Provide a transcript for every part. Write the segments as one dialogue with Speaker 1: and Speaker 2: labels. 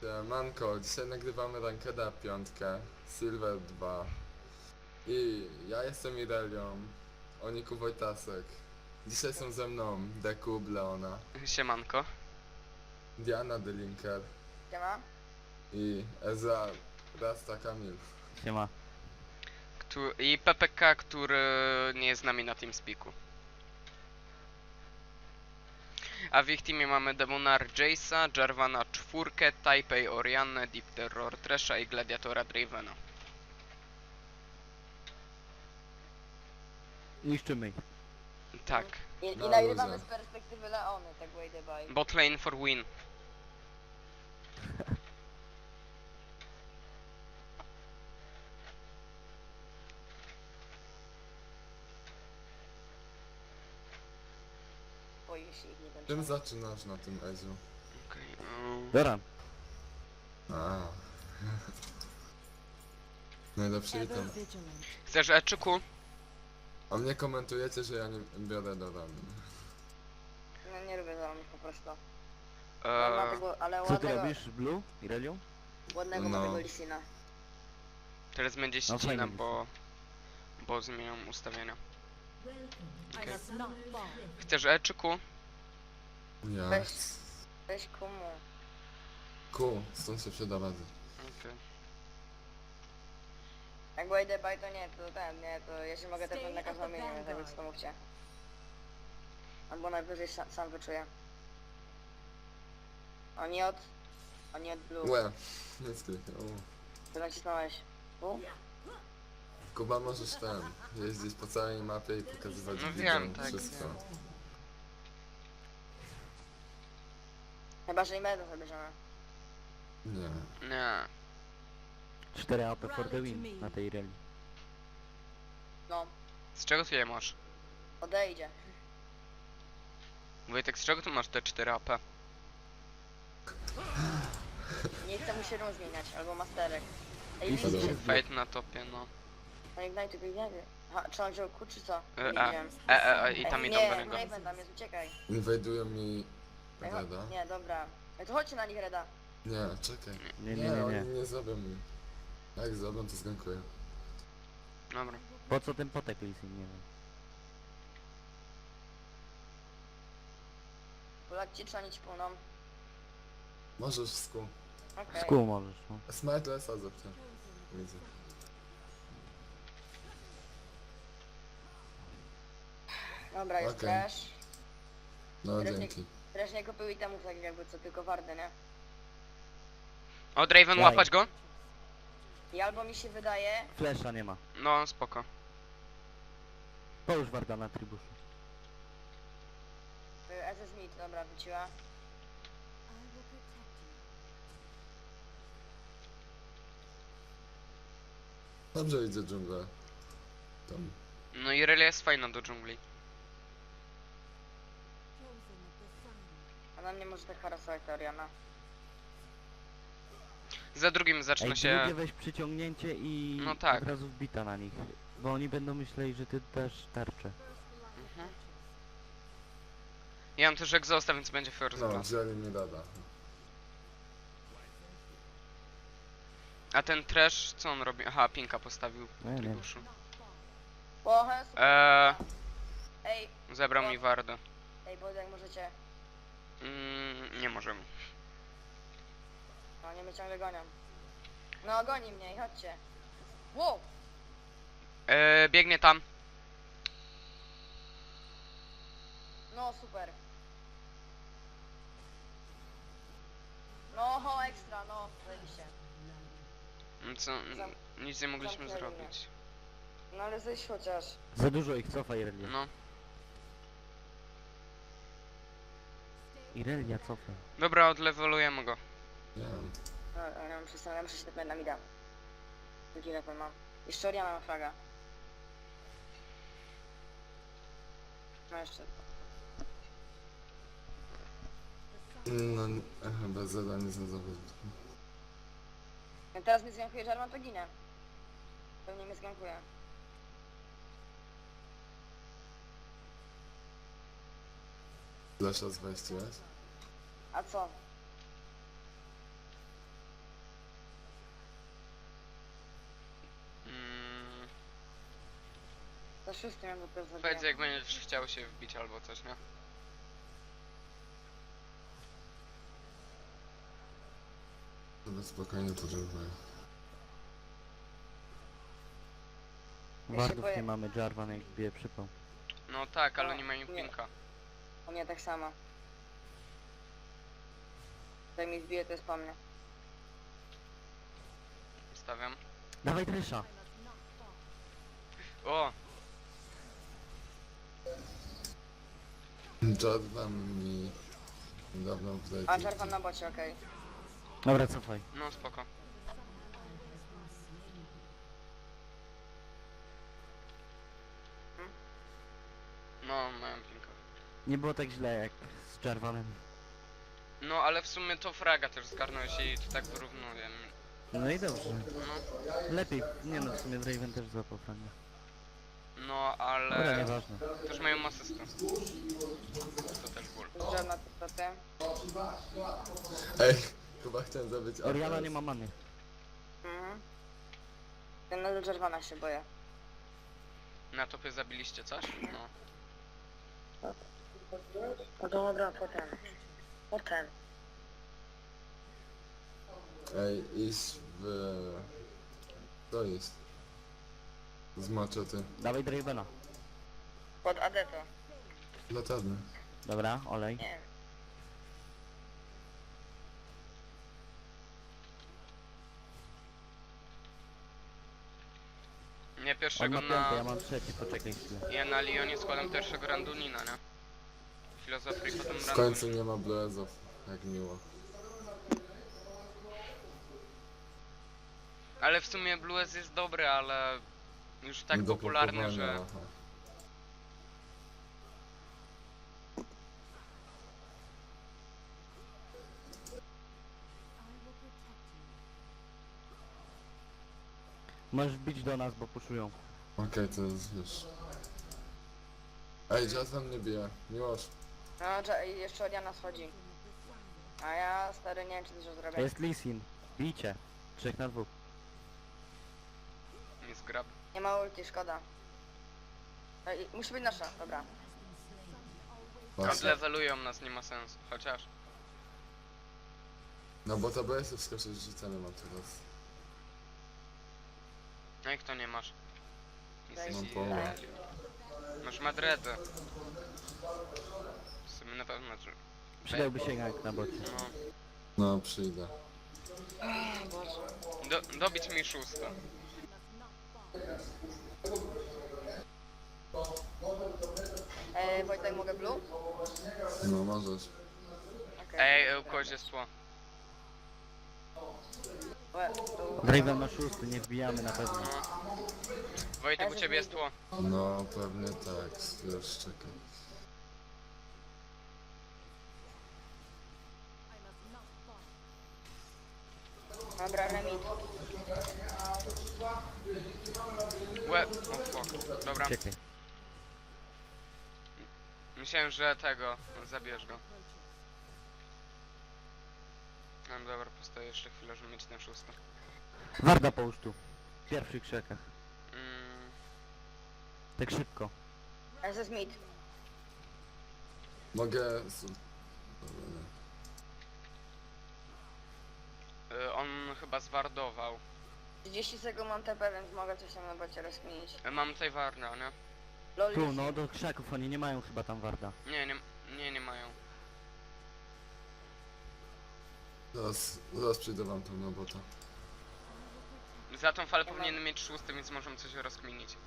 Speaker 1: Manko, dzisiaj nagrywamy rankeda 5, Silver 2 i ja jestem Irelią, Oniku Wojtasek. Dzisiaj są ze mną Dekub Leona,
Speaker 2: Siemanko.
Speaker 1: Diana Delinker
Speaker 3: Siema.
Speaker 1: i Ezra Rasta Kamil.
Speaker 4: Siema.
Speaker 2: I PPK, który nie jest z nami na TeamSpeaku. A w ich teamie mamy Demonar Jace'a, Jarvana 4, Taipei Oriannę, Deep Terror Tresha i Gladiatora Dravena.
Speaker 4: Niszczymy ich.
Speaker 2: Tak.
Speaker 3: I
Speaker 1: Na
Speaker 3: nagrywamy
Speaker 1: luzie.
Speaker 3: z perspektywy Leony, tak way the by.
Speaker 2: Bot lane for win.
Speaker 3: Boję się ich nie będzie.
Speaker 1: Czym zaczynasz na tym Eziu?
Speaker 2: Okej.
Speaker 4: Doran.
Speaker 1: A. Najlepszy item.
Speaker 2: Chcesz Eczyku?
Speaker 1: A mnie komentujecie, że ja nie biorę do ramy.
Speaker 3: No nie lubię zalonych po prostu. Ma tego, ale
Speaker 4: Co ty
Speaker 3: ładnego,
Speaker 4: robisz, Blue? Irelium?
Speaker 3: ładnego ma
Speaker 1: No.
Speaker 3: tego Lisina.
Speaker 2: Teraz będzie
Speaker 4: No
Speaker 2: ścina,
Speaker 4: fajnie.
Speaker 2: bo zmieniam ustawienia. Okay. Chcesz Eczyku?
Speaker 1: Ja.
Speaker 3: Weź komu.
Speaker 1: Stąd się przyda rady.
Speaker 2: Okay.
Speaker 3: Jak way the by to nie, to ja się mogę tepnąć na każdą linię, tak więc to mówcie. Albo najwyżej sam wyczuję. Oni od blue.
Speaker 1: Łe, nie skrypie.
Speaker 3: Ty nacisnąłeś. Tu?
Speaker 1: Kuba, możesz jeździć po całej mapie i pokazywać
Speaker 2: No
Speaker 1: widzom
Speaker 2: wiem, tak,
Speaker 1: wszystko.
Speaker 2: wiem.
Speaker 3: Chyba, że i medę zabierzemy.
Speaker 1: Nie.
Speaker 2: Nie.
Speaker 4: 4 AP for the win na tej Ireli.
Speaker 3: No,
Speaker 2: Z czego ty je masz?
Speaker 3: odejdzie.
Speaker 2: Wojtek, z czego tu masz te 4 AP?
Speaker 3: Nie chcę mu się run zmieniać, albo masterek. Ej,
Speaker 4: I
Speaker 3: Lisin
Speaker 1: co?
Speaker 3: się...
Speaker 2: Fate na topie, no.
Speaker 3: No Ignite go nie wie. Aha, czy on wziął Q, czy co? Nie
Speaker 2: E,
Speaker 3: widziałem.
Speaker 2: I tam
Speaker 3: Ej,
Speaker 2: idą do
Speaker 3: nie,
Speaker 2: niego.
Speaker 3: nie będę, tam jest, uciekaj.
Speaker 1: Inwajdują mi
Speaker 3: Ej,
Speaker 1: Reda.
Speaker 3: nie, dobra. Ej, to chodźcie na nich, Reda.
Speaker 1: Nie, czekaj.
Speaker 4: Nie.
Speaker 1: Oni nie zrobią mi. Jak zrobią, to zgankuję.
Speaker 2: Dobra.
Speaker 4: Po co ten potek Lisin, nie wiem.
Speaker 3: Polak ci, czy oni ci płyną?
Speaker 1: Możesz w skół.
Speaker 3: Okej.
Speaker 4: Z kół możesz, no.
Speaker 1: Smartlessa zepnę. Widzę.
Speaker 3: Dobra, jest
Speaker 1: Okej.
Speaker 3: trash.
Speaker 1: No
Speaker 3: Teraz
Speaker 1: dzięki.
Speaker 3: Trash nie kupił itemów tak jakby co, tylko wardy, nie?
Speaker 2: O, Draven,
Speaker 4: Daj.
Speaker 2: łapać go?
Speaker 3: I albo mi się wydaje...
Speaker 4: Flesza nie ma.
Speaker 2: No, spoko.
Speaker 4: Połóż warda na tribuszu.
Speaker 3: SS Smith, dobra, wróciła.
Speaker 1: Dobrze idzie dżunglę. Tam.
Speaker 2: No i Irelia jest fajna do dżungli.
Speaker 3: A na mnie może tak harasować ta Oriana.
Speaker 2: Za drugim zaczyna
Speaker 4: Ej,
Speaker 2: się...
Speaker 4: drugie weź przyciągnięcie i
Speaker 2: No tak.
Speaker 4: od razu wbita na nich. Bo oni będą myśleli, że ty też tarczę.
Speaker 2: Mhm. Ja mam też egzosta, więc będzie first
Speaker 1: No,
Speaker 2: class.
Speaker 1: wzięli mi Reda.
Speaker 2: A ten trash, co on robi? Aha, pinka postawił
Speaker 4: No ja
Speaker 2: w
Speaker 4: nie wiem.
Speaker 2: tribuszu.
Speaker 3: O, hes! Ej,
Speaker 2: Zebrał mi wardę.
Speaker 3: bo jak możecie.
Speaker 2: Nie możemy.
Speaker 3: No, nie mnie ciągle gonią. No, goni mnie i chodźcie. Wow!
Speaker 2: Biegnie tam.
Speaker 3: No, super. No, ho, ekstra, no, zajebiście.
Speaker 2: Co? Nic nie mogliśmy
Speaker 3: zamknęli mnie.
Speaker 2: zrobić.
Speaker 3: No, ale zejść chociaż.
Speaker 4: Za dużo ich cofa Irelia.
Speaker 2: No.
Speaker 4: Irelia cofa.
Speaker 2: Dobra, odlewelujemy go.
Speaker 1: Nie wiem.
Speaker 3: No, ja muszę się tepnąć na mida. Drugi level mam. Jeszcze Oriana ma fraga. No jeszcze.
Speaker 1: No, chyba Zeda nie znalazłem.
Speaker 3: Jak teraz mnie zgankuje Jarvan, to ginę. Pewnie mnie zgankuje.
Speaker 1: Flasha z wejściłeś?
Speaker 3: A co? szóstym ja dopiero
Speaker 2: Powiedz
Speaker 3: zabiję.
Speaker 2: jak będziesz chciał się wbić albo coś, nie?
Speaker 1: Dobra, spokojnie podróżuję.
Speaker 3: się
Speaker 4: Wardów
Speaker 3: boję.
Speaker 4: nie mamy, Jarvan jak bije przypał.
Speaker 2: No tak, ale
Speaker 3: No,
Speaker 2: nie mają
Speaker 3: nie.
Speaker 2: pinka.
Speaker 3: U mnie tak samo. Jak mi wbije, to jest po mnie.
Speaker 2: Stawiam.
Speaker 4: Dawaj Tresha!
Speaker 2: O!
Speaker 1: Jordan mi niedawno wdaje.
Speaker 3: A Jarvan na bocie, okej.
Speaker 4: Dobra, cofaj.
Speaker 2: No spoko. No, mają pinka.
Speaker 4: Nie było tak źle jak z Jarvanem.
Speaker 2: No ale w sumie to fraga też zgarnąłeś i to tak wyrównuje.
Speaker 4: No i dobrze.
Speaker 2: No,
Speaker 4: Lepiej. Nie no, w sumie Draven też złapał fragę.
Speaker 2: no
Speaker 4: Dobra,
Speaker 2: ale
Speaker 4: nieważne.
Speaker 2: też mają asystę. To też ból.
Speaker 3: Jarvan na ty.
Speaker 1: Ej, chyba chciałem zabić
Speaker 4: Oriana
Speaker 1: APS.
Speaker 4: nie ma many.
Speaker 3: Mhm. Ten na Jarvana się boję.
Speaker 2: Na topie zabiliście coś? No.
Speaker 3: No dobra, potem. Potem.
Speaker 1: Ej, iść w... Co jest? Z maczety.
Speaker 4: Dawaj Dravena.
Speaker 3: Pod AD to.
Speaker 1: Latarny.
Speaker 4: Dobra, olej.
Speaker 3: Nie.
Speaker 2: Nie
Speaker 4: On
Speaker 2: pierwszego
Speaker 4: ma piąty, ja
Speaker 2: na...
Speaker 4: mam trzeci, poczekaj chwilę.
Speaker 2: Ja na Lyonie składam pierwszego Randunina, nie? Filozofii potem
Speaker 1: W końcu
Speaker 2: Randunin.
Speaker 1: nie ma blezów. Jak miło.
Speaker 2: Ale w sumie Blues jest dobry, ale już tak
Speaker 1: Nie do
Speaker 2: popularny,
Speaker 1: blokowania,
Speaker 2: że...
Speaker 1: aha.
Speaker 4: Możesz bić do nas, bo puszują.
Speaker 1: Okej, to jest już. Ej, Jazz mnie bije. Miłosz.
Speaker 3: No, i jeszcze Oriana schodzi. A ja, stary, nie wiem, czy dużo
Speaker 4: To
Speaker 3: zrobię.
Speaker 4: jest Lee Sin. Bijcie. 3 na 2.
Speaker 2: Nie zgrab.
Speaker 3: Nie ma ulti, szkoda. Musi być nasza, dobra.
Speaker 1: Właśnie.
Speaker 2: Odlevelują nas, nie ma sensu. Chociaż.
Speaker 1: No bo to BS wskoczyć rzucane mam teraz.
Speaker 2: No i kto nie masz? Jesteś
Speaker 1: Mam połowę.
Speaker 2: Masz Madredę. W sumie na pewno, że...
Speaker 4: Przydałby się jak na bocie.
Speaker 2: No.
Speaker 1: No, przyjdę.
Speaker 2: Dobić mi szóste.
Speaker 3: Wojtek, mogę blue?
Speaker 1: No, możesz.
Speaker 3: Okej.
Speaker 2: U kogoś jest tło.
Speaker 4: Draven ma 6, nie wbijamy na pewno.
Speaker 2: No. Wojtek, u ciebie jest tło.
Speaker 1: No, pewnie tak. Już czekaj.
Speaker 3: Dobra, remit.
Speaker 2: Łe... O fuck. Dobra.
Speaker 4: Czekaj.
Speaker 2: Myślałem, że tego... Zabierz go. No dobra, postoję jeszcze chwilę, żeby mieć ten szósty.
Speaker 4: Warda połóż tu. W pierwszych krzakach.
Speaker 2: Mm,
Speaker 4: Tak szybko.
Speaker 3: SS mid.
Speaker 1: Mogę... Dobra, nie.
Speaker 2: on chyba zwardował.
Speaker 3: 30 sekund mam TP, więc mogę coś tam na bocie rozkminić.
Speaker 2: Mam tutaj Warna, nie?
Speaker 3: Loli.
Speaker 4: Tu, no do krzaków, oni nie mają chyba tam Warda.
Speaker 2: Nie mają.
Speaker 1: Zaraz przyjdę wam tam na bota.
Speaker 2: Za tą falę powinienem mieć szósty, więc możemy coś rozkminić.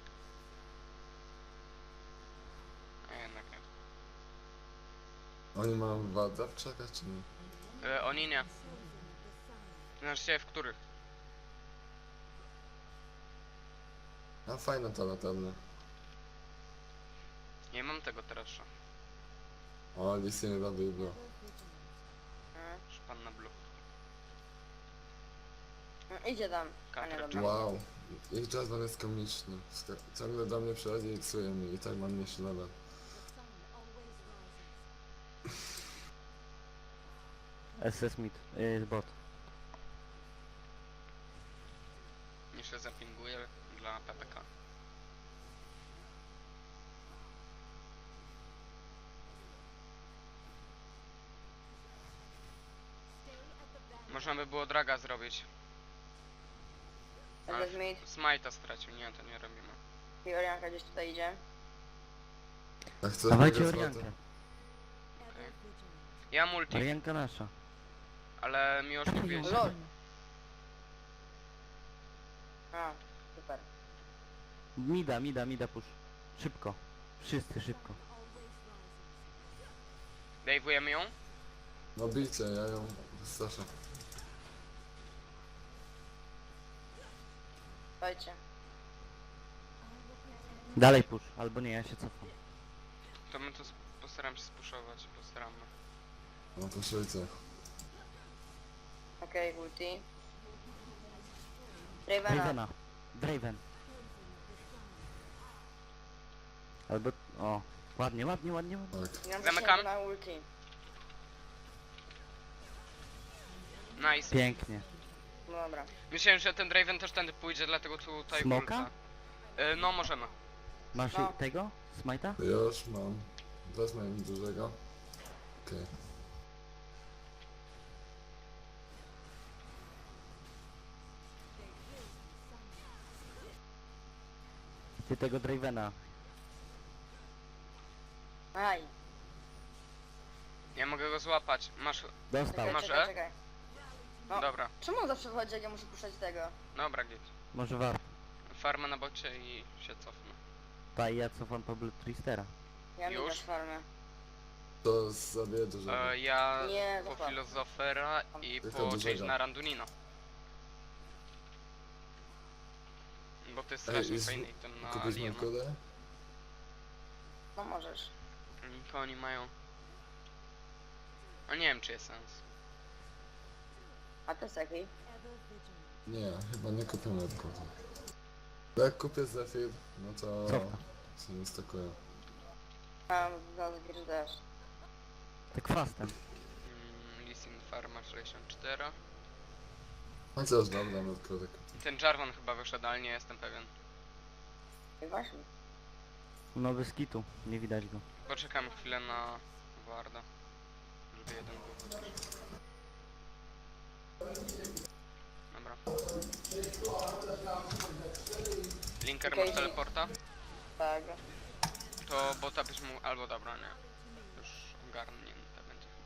Speaker 2: A jednak nie.
Speaker 1: Oni mają wadę w krzakach, czy nie?
Speaker 2: Oni nie. Znaczy w których?
Speaker 1: A fajna ta latarnia.
Speaker 2: Nie mam tego teraz.
Speaker 1: O, Lisy nie da Biblo.
Speaker 2: Szpan na blue.
Speaker 3: Idzie tam. A nie,
Speaker 2: Katra,
Speaker 3: dobra.
Speaker 1: Wow. Ich Jazz jest komiczny. Ciągle do mnie przychodzi i psuje mi. I tak mam mniejszy level.
Speaker 4: SS mid, bot.
Speaker 2: Jeszcze zapinguję dla PPK. Można by było draga zrobić.
Speaker 3: Będzie
Speaker 2: Ale
Speaker 3: Smith.
Speaker 2: Smite'a stracił, nie, to nie robimy.
Speaker 3: I Orianka gdzieś tutaj idzie.
Speaker 1: Jak chcesz
Speaker 4: Dawajcie
Speaker 1: mogę
Speaker 4: Oriankę.
Speaker 1: złoto.
Speaker 2: Ja mam multi,
Speaker 4: Orianka nasza.
Speaker 2: ale Miłosz
Speaker 4: Dawaj
Speaker 2: mówiłeś.
Speaker 4: ją.
Speaker 3: Lol. A, super.
Speaker 4: Mida push. Szybko. Wszyscy szybko.
Speaker 2: Dave'ujemy ją?
Speaker 1: No bijcie, ja ją wystraszę.
Speaker 3: Dajcie.
Speaker 4: Dalej push. Albo nie, ja się cofam.
Speaker 2: To my to postaram się spuszować, postaramy.
Speaker 1: No poszujcie.
Speaker 3: Okej, ulti. Ravena.
Speaker 4: Dravena. Draven. Albo... O. Ładnie.
Speaker 1: Tak.
Speaker 3: Nie mam
Speaker 2: Zamykam.
Speaker 3: zasięgu na ulti.
Speaker 2: Nice.
Speaker 4: Pięknie.
Speaker 3: No dobra.
Speaker 2: Myślałem, że ten Draven też tędy pójdzie, dlatego tutaj
Speaker 4: Smoka?
Speaker 2: ulta. No możemy.
Speaker 4: Masz
Speaker 3: No.
Speaker 4: tego? Smite'a?
Speaker 1: Już mam. Wezmę mi dużego. Okej.
Speaker 4: Ty tego Dravena.
Speaker 3: Aj.
Speaker 2: Ja mogę go złapać. Masz...
Speaker 4: Dostał.
Speaker 3: Czekaj,
Speaker 2: Może?
Speaker 3: czekaj, czekaj. No.
Speaker 2: Dobra,
Speaker 3: Czemu on zawsze wchodzi, jak ja muszę puszczać tego?
Speaker 2: dobra git.
Speaker 4: Może warto.
Speaker 2: Farmę na bocie i się cofnę.
Speaker 4: Ta i ja cofam po Blood Twistera.
Speaker 3: Ja mi
Speaker 2: Już?
Speaker 3: też farmę.
Speaker 1: To zabiję dużego.
Speaker 2: Ja
Speaker 3: Nie,
Speaker 2: po
Speaker 3: zostaw.
Speaker 2: Filozofera i
Speaker 1: Tylko
Speaker 2: po
Speaker 1: dużego.
Speaker 2: Change na Randunino. Bo to jest
Speaker 1: Ej,
Speaker 2: strasznie
Speaker 1: jest-
Speaker 2: fajny item na
Speaker 1: Kupisz mi
Speaker 2: Aliena.
Speaker 1: kulę?
Speaker 3: No możesz.
Speaker 2: To oni mają... A nie wiem czy jest sens.
Speaker 3: A to jest jaki?
Speaker 1: Nie, chyba nie kupię medkodu. Bo jak kupię Zephyr, no to
Speaker 4: Cofka.
Speaker 1: się nie stakuję.
Speaker 3: Mam za zbierz też.
Speaker 4: Tak fastem.
Speaker 2: Lisin Farma 64.
Speaker 1: Chociaż dobra, medkodę kupię.
Speaker 2: Ten Jarvan chyba wyszedł, ale nie jestem pewien.
Speaker 3: I właśnie.
Speaker 4: No bez kitu. Nie widać go.
Speaker 2: Poczekamy chwilę na Warda. Żeby jeden był chociaż. Dobra. Linker
Speaker 3: Okej,
Speaker 2: masz teleporta?
Speaker 3: Tak.
Speaker 2: To bota byś mógł... albo dobra, nie. Już ogarnięte będzie chyba.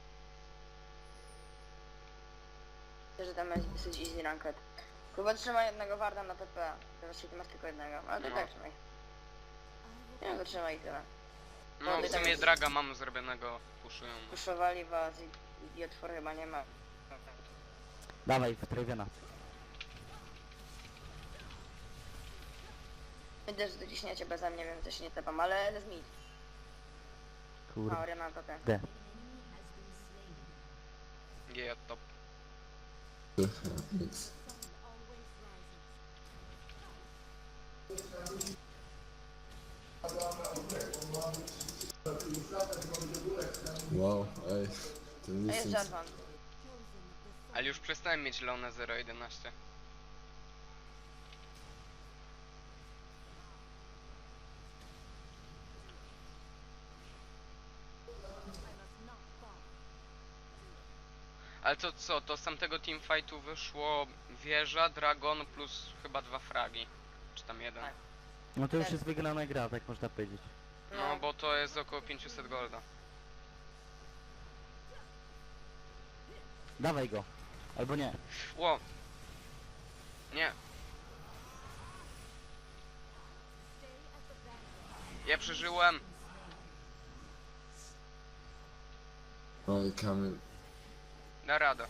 Speaker 3: Myślę, że tam jest dosyć easy ranked. Chyba trzymaj jednego warda na TP. Teraz ty masz tylko jednego. Ale to
Speaker 2: No.
Speaker 3: tak trzymaj. Nie no, to trzymaj i tyle.
Speaker 2: No w
Speaker 3: tak
Speaker 2: sumie
Speaker 3: jest.
Speaker 2: draga mamy zrobionego, puszują.
Speaker 3: Puszowali was i otwory chyba nie ma.
Speaker 4: Dawaj w Dravena.
Speaker 3: Widzę, że dociśniecie beze mnie, więc też się nie tepam, ale jest mid. A,
Speaker 4: Kurde.
Speaker 3: Oriana na topie.
Speaker 4: D.
Speaker 2: G top.
Speaker 1: Nic. Wow, ej. Ten
Speaker 3: A jest
Speaker 1: listing.
Speaker 3: Jarvan.
Speaker 2: Ale już przestałem mieć Leone 0.11. Ale to co, to z tamtego teamfightu wyszło wieża, dragon plus chyba 2 fragi. Czy tam jeden.
Speaker 3: Tak.
Speaker 4: No to już jest wygrana gra, tak można powiedzieć.
Speaker 2: No bo to jest około 500 golda.
Speaker 4: Dawaj go. Albo nie.
Speaker 2: Ło! Nie. Ja przeżyłem.
Speaker 1: Oj, Kamil.
Speaker 2: Da radę.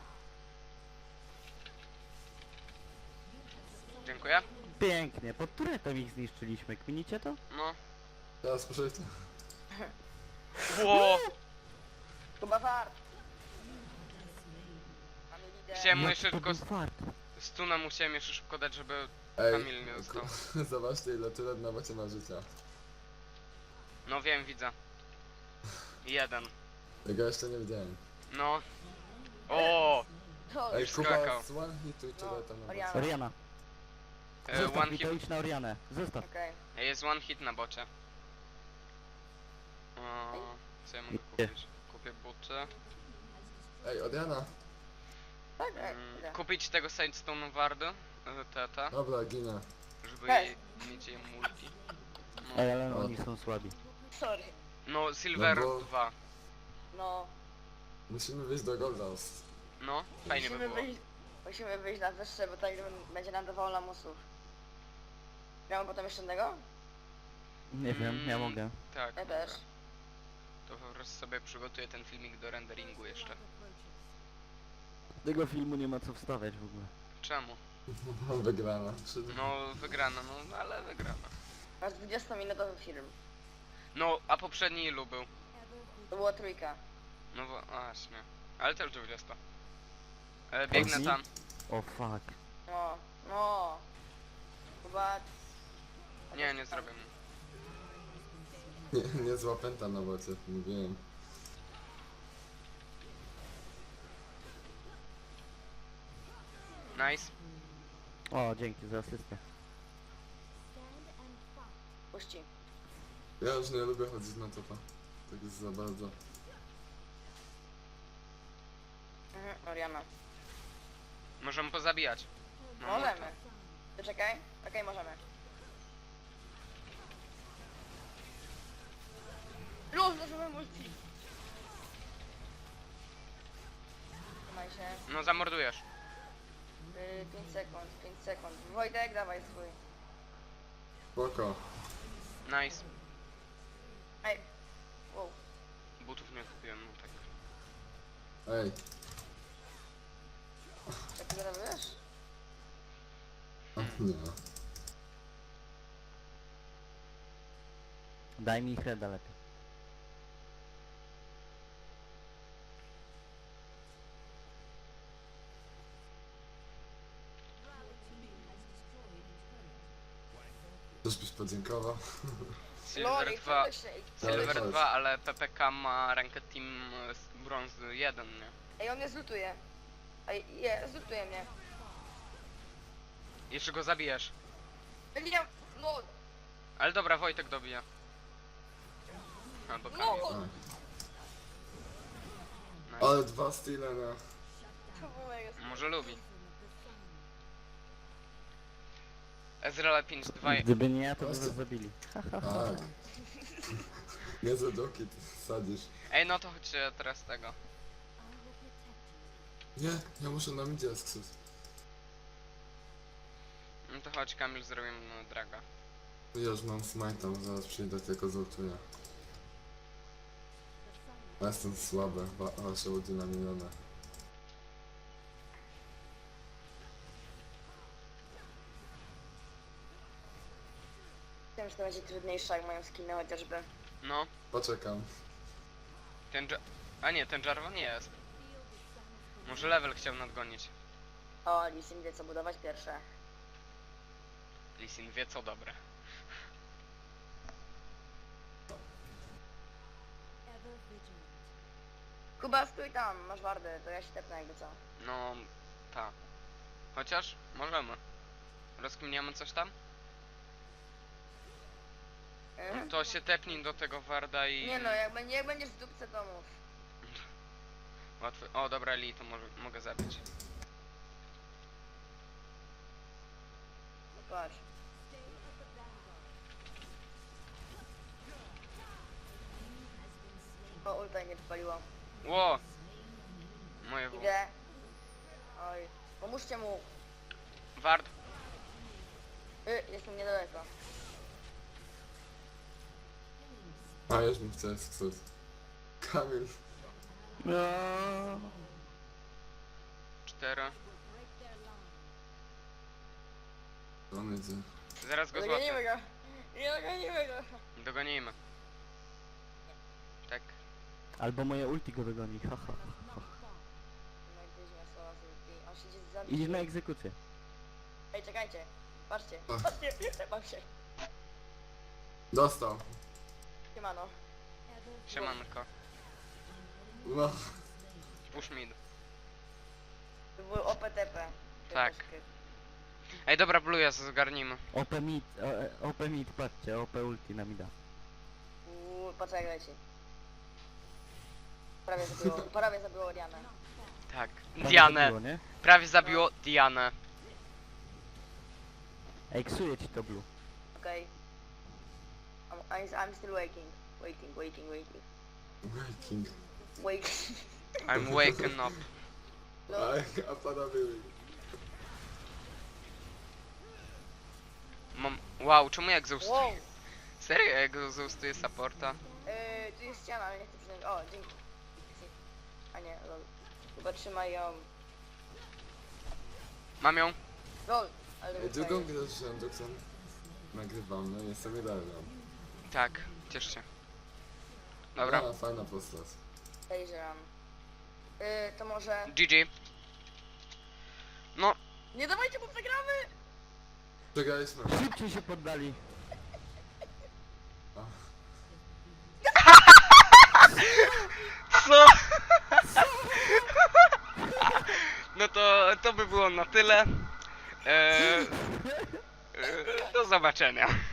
Speaker 2: Dziękuję.
Speaker 4: Pięknie. Pod turetem ich zniszczyliśmy. Kminicie to?
Speaker 2: No.
Speaker 1: Teraz poszedł.
Speaker 2: Ło!
Speaker 3: Chyba wart. Mamy lider.
Speaker 2: Chciałem mu
Speaker 4: Jak
Speaker 2: jeszcze
Speaker 4: to
Speaker 2: tylko
Speaker 4: był fart.
Speaker 2: stuna musiałem jeszcze szybko dać, żeby
Speaker 1: Ej,
Speaker 2: Kamil nie dostał.
Speaker 1: zobaczcie ile tyle na macie ma życia.
Speaker 2: No wiem, widzę. Jeden.
Speaker 1: Tego jeszcze nie widziałem.
Speaker 2: No. O!
Speaker 3: To
Speaker 1: Ej,
Speaker 2: już
Speaker 1: Kuba,
Speaker 2: skakał.
Speaker 1: z one hitu tyle tam na
Speaker 3: Oriana.
Speaker 1: macie.
Speaker 4: Oriana. Zostaw
Speaker 2: One
Speaker 4: mi
Speaker 2: hit.
Speaker 4: to, idź na Orianę. Zostaw.
Speaker 3: Okej.
Speaker 2: Jest one hit na bocie. O, co ja mogę
Speaker 4: Nie.
Speaker 2: kupić? Kupię buty.
Speaker 1: Ej, Oriana!
Speaker 3: Tak? Idę.
Speaker 2: Kupić tego Sandstone Warda, tata,
Speaker 1: Dobra, ginę.
Speaker 2: żeby
Speaker 3: Cześć.
Speaker 2: mieć je multi.
Speaker 4: Ej, ale
Speaker 1: O.
Speaker 4: oni są słabi.
Speaker 3: Sorry.
Speaker 2: No, Silver
Speaker 1: No bo-
Speaker 2: 2.
Speaker 3: No,
Speaker 1: Musimy wyjść do Goldhouse.
Speaker 2: No, fajnie by było.
Speaker 3: musimy wyjść na wyższe, bo tak będzie nam dawało lamusów. Miałem potem jeszcze jednego?
Speaker 4: Nie wiem, ja mogę.
Speaker 2: Tak,
Speaker 3: Ja
Speaker 2: dobra.
Speaker 3: też.
Speaker 2: To po prostu sobie przygotuję ten filmik do renderingu jeszcze.
Speaker 4: Tego filmu nie ma co wstawiać w ogóle.
Speaker 2: Czemu?
Speaker 1: Wygrana.
Speaker 2: No, wygrana, no, ale wygrana.
Speaker 3: Masz 20-minutowy film.
Speaker 2: No, a poprzedni ilu był?
Speaker 3: To była trójka.
Speaker 2: No właśnie. Ale też 20. Biegnę
Speaker 1: Chodzi?
Speaker 2: tam.
Speaker 4: O fuck.
Speaker 3: No, no. Chyba...
Speaker 2: Nie, nie zrobię mu.
Speaker 1: Nie zła pęta na bocie, mówiłem.
Speaker 2: Nice.
Speaker 4: O, dzięki za asystę.
Speaker 3: Puści.
Speaker 1: Ja już nie lubię chodzić na topa. Tak jest za bardzo.
Speaker 3: Oriana.
Speaker 2: Możemy pozabijać. No,
Speaker 3: Możemy. Ty czekaj. Okej, możemy. Luz, zacząłem multi. Trzymaj się.
Speaker 2: No, zamordujesz.
Speaker 3: 5 sekund, 5 sekund. Wojtek, dawaj swój.
Speaker 1: Spoko.
Speaker 2: Nice.
Speaker 3: Ej. Wow.
Speaker 2: Butów nie kupiłem, no tak.
Speaker 1: Ej.
Speaker 3: Jak ty zrobisz?
Speaker 1: Nie.
Speaker 4: Daj mi Freda lepiej.
Speaker 1: Też byś podziękował.
Speaker 2: Silver 2.
Speaker 3: Loli, się.
Speaker 2: Silver
Speaker 1: chodź.
Speaker 2: 2, ale PPK ma rankę Team Bronze 1, nie?
Speaker 3: Ej, on mnie zlutuje. Ej, zlutuje mnie.
Speaker 2: Jeszcze go zabijesz.
Speaker 3: Nie, no,
Speaker 2: Ale dobra, Wojtek dobija. Albo
Speaker 3: no.
Speaker 2: Kamil.
Speaker 1: A.
Speaker 2: Nice.
Speaker 1: Ale dwa style na...
Speaker 3: To było mega
Speaker 2: Może lubi. Ezreal 5-2.
Speaker 4: Gdyby nie ja, to by
Speaker 1: Właśnie.
Speaker 4: was zabili.
Speaker 1: Tak. Nie za doki ty sadzisz.
Speaker 2: Ej, no to chodźcie teraz tego.
Speaker 1: Nie, ja muszę na midzie skrzydł.
Speaker 2: No to chodź, Kamil, zrobimy draga.
Speaker 1: Ja już mam smite'a, zaraz przyjdę, tylko zultuję. Ja jestem słaby, wasze ludzi na miliona.
Speaker 3: Wiem, że to będzie trudniejsze, jak mają skiny chociażby.
Speaker 2: No,
Speaker 1: Poczekam.
Speaker 2: ten A nie, ten Jarvan nie jest. Może level chciał nadgonić.
Speaker 3: O, Lisin wie co budować pierwsze.
Speaker 2: Lee Sin wie co dobre.
Speaker 3: Kuba, stój tam, masz wardy, to ja się tepnę jakby co.
Speaker 2: No, ta. Chociaż możemy. Rozkminiamy coś tam? To się tepnij do tego Warda i...
Speaker 3: Nie no, jak będziesz w dupce to mów.
Speaker 2: Łatwy. O, dobra, Lee, to mogę zabić.
Speaker 3: No patrz. O, ulta nie wypaliło.
Speaker 2: Ło! Moje W.
Speaker 3: Idę. Oj, pomóżcie mu.
Speaker 2: Ward.
Speaker 3: Jestem niedaleko.
Speaker 1: A, już mi chce skrzydł. Kamil.
Speaker 4: No.
Speaker 2: 4.
Speaker 1: On idzie.
Speaker 2: Zaraz go
Speaker 3: Dogonimy
Speaker 2: złapię.
Speaker 3: go. Nie dogonimy go.
Speaker 2: Dogonimy. Tak.
Speaker 4: Albo moje ulti go dogoni, haha.
Speaker 3: No i gdzieś miał słowa z ulti. On siedzi za
Speaker 4: Idziesz na egzekucję.
Speaker 3: Ej, czekajcie. Patrzcie.
Speaker 1: Ach.
Speaker 3: Patrzcie, mam się.
Speaker 1: Dostał.
Speaker 3: Siemano.
Speaker 2: Siemanko.
Speaker 1: No.
Speaker 2: Push mid.
Speaker 3: To był OPTP.
Speaker 2: Tak. Ej, dobra, Blue'a zgarnimy.
Speaker 4: OP mid, OP mid, patrzcie, OP ulti na mida.
Speaker 3: Poczekaj leci. Prawie zabiło Orianę.
Speaker 2: Tak.
Speaker 4: Prawie
Speaker 2: Dianę.
Speaker 4: zabiło, nie?
Speaker 2: Prawie zabiło Dianę.
Speaker 4: Ej, ksuje ci to blue.
Speaker 3: Okej. I'm still waiting. Waiting.
Speaker 1: Waking.
Speaker 3: Waiting.
Speaker 2: I'm waking up.
Speaker 3: No,
Speaker 1: A panowie...
Speaker 2: Mam... Wow, czemu ja egzaustuję?
Speaker 3: wow.
Speaker 2: Serio ja egzaustuję supporta?
Speaker 3: Tu jest ściana, ale nie chcę przyjąć. O, dzięki. A nie, lol. Chyba trzymaj ją.
Speaker 2: Mam ją?
Speaker 3: Lol. Ale
Speaker 1: Drugą grę z rzędu, którą nagrywamy, jestem idealną.
Speaker 2: Tak, ciesz się. Dobra,
Speaker 1: A, fajna postać.
Speaker 3: Podejrzewam. To może...
Speaker 2: GG. No,
Speaker 3: Nie dawajcie, bo przegramy!
Speaker 1: Przegraliśmy.
Speaker 4: Szybciej się poddali.
Speaker 1: A,
Speaker 2: co? No to by było na tyle. Do zobaczenia.